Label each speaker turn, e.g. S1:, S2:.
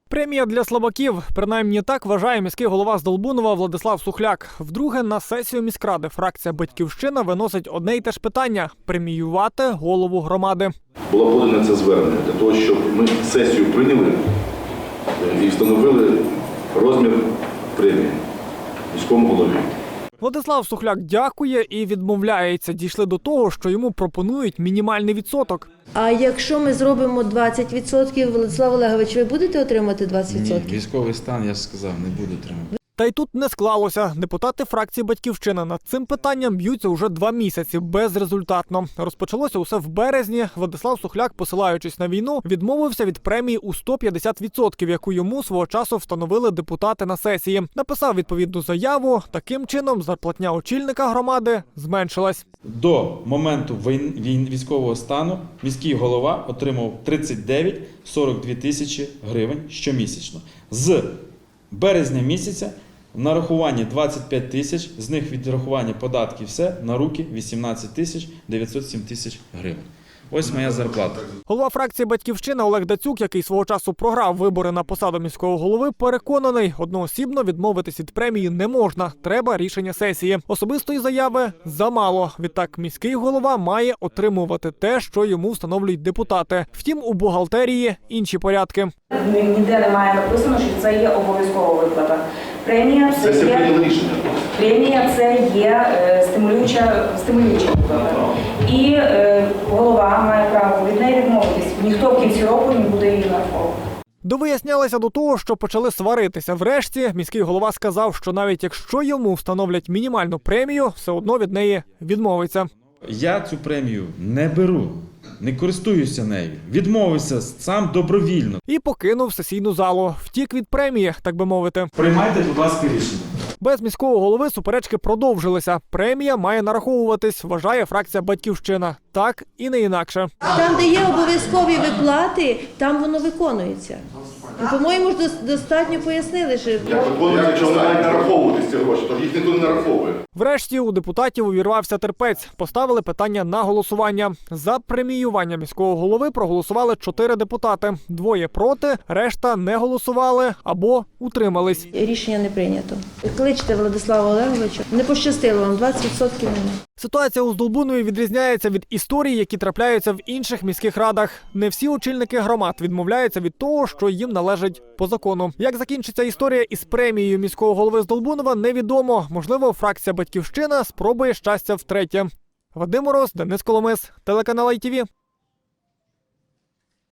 S1: Премія для слабаків. Принаймні так вважає міський голова Здолбунова Владислав Сухляк. Вдруге на сесію міськради фракція «Батьківщина» виносить одне й те ж питання – преміювати голову громади.
S2: Було подане це звернення для того, щоб ми сесію прийняли і встановили розмір премії міському голові.
S1: Владислав Сухляк дякує і відмовляється. Дійшли до того, що йому пропонують мінімальний відсоток.
S3: А якщо ми зробимо 20%, Владислав Олегович, ви будете отримати 20%?
S4: Ні, військовий стан, я ж сказав, не буду отримати.
S1: Та й тут не склалося. Депутати фракції «Батьківщина» над цим питанням б'ються уже 2 місяці безрезультатно. Розпочалося усе в березні. Владислав Сухляк, посилаючись на війну, відмовився від премії у 150%, яку йому свого часу встановили депутати на сесії. Написав відповідну заяву. Таким чином, зарплатня очільника громади зменшилась.
S4: До моменту військового стану міський голова отримав 39-42 тисячі гривень щомісячно. З березня місяця в нарахуванні 25 тисяч, з них відрахування податків все, на руки 18 тисяч 907 тисяч гривень. Ось моя зарплата.
S1: Голова фракції «Батьківщина» Олег Дацюк, який свого часу програв вибори на посаду міського голови, переконаний, одноосібно відмовитись від премії не можна. Треба рішення сесії. Особистої заяви замало. Відтак міський голова має отримувати те, що йому встановлюють депутати. Втім, у бухгалтерії інші порядки.
S5: Ніде немає написано, що це є обов'язкова виплата. Премія це є стимулююча виплата. І голова має право від неї відмовитись. Ніхто в кінці року не буде її нараховувати.
S1: Довияснялися до того, що почали сваритися. Врешті міський голова сказав, що навіть якщо йому встановлять мінімальну премію, все одно від неї відмовиться.
S4: Я цю премію не беру, не користуюся нею, відмовився сам добровільно.
S1: І покинув сесійну залу. Втік від премії, так би мовити.
S4: Приймайте, будь ласка, рішення.
S1: Без міського голови суперечки продовжилися. Премія має нараховуватись, вважає фракція «Батьківщина». Так і не інакше.
S3: Там, де є обов'язкові виплати, там воно виконується. І, по-моєму, достатньо пояснили, що...
S2: Як виконується, якщо вони мають нараховувати ці гроші, то їх ніхто не нараховує.
S1: Врешті у депутатів увірвався терпець. Поставили питання на голосування. За преміювання міського голови проголосували 4 депутати. 2 проти, решта не голосували або утримались.
S3: Рішення не прийнято. Кличте Владислава Олеговича. Не пощастило вам, 20% немає.
S1: Ситуація у Здолбунові відрізняється від історій, які трапляються в інших міських радах. Не всі очільники громад відмовляються від того, що їм належить по закону. Як закінчиться історія із премією міського голови Здолбунова, невідомо. Можливо, фракція «Батьківщина» спробує щастя втретє. Вадим Мороз, Денис Коломис, телеканал ITV.